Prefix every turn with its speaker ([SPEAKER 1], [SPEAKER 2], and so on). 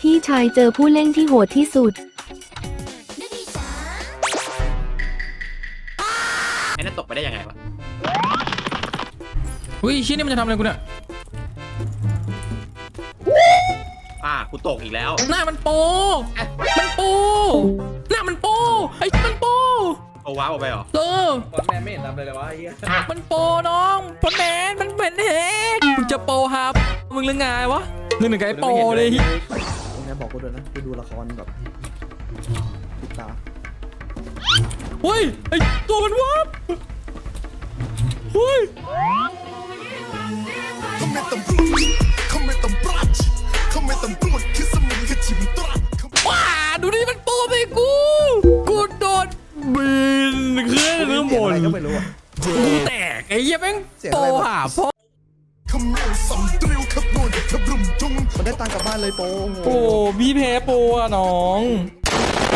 [SPEAKER 1] พี่ชายเจอผู้เล่นที่โหดที่สุด
[SPEAKER 2] ไอ้นั่นตกไปได้ยังไงวะ
[SPEAKER 3] อุ้ยชิ้นนี้มันจะทำอะไรกูเนี่ย
[SPEAKER 2] กูตกอีกแล้ว
[SPEAKER 3] หน้ามันโปมันโปหน้ามันโปไอ้มันโป
[SPEAKER 2] เอาว้าวออกไปเหรอ
[SPEAKER 4] บอลแมนไม่เห็นทำเลยเลยวะไอ้เหี้ย
[SPEAKER 3] มันโปน้องพลแมนมันเป็นเฮกมึงจะโปครับมึงเรื่องไงวะนึกถึงไอ้โปเลย
[SPEAKER 4] ยังไงบอกกูด้วยนะกูดูละครแบบติดตา
[SPEAKER 3] เฮ้ยไอ้ตัวมันวับเฮ้ย ว้าดูดิมันโปไปกูโดนบินขึ้นข้างบน
[SPEAKER 4] อะไรก็ไม่รู้อ่ะ
[SPEAKER 3] กูแตกไอ้เหี้ยแม่งโปหาพ่อ
[SPEAKER 4] มันได้ตังค์กลับบ้านเลยโป
[SPEAKER 3] โอ้พี่แพ้โปอ่ะน้อง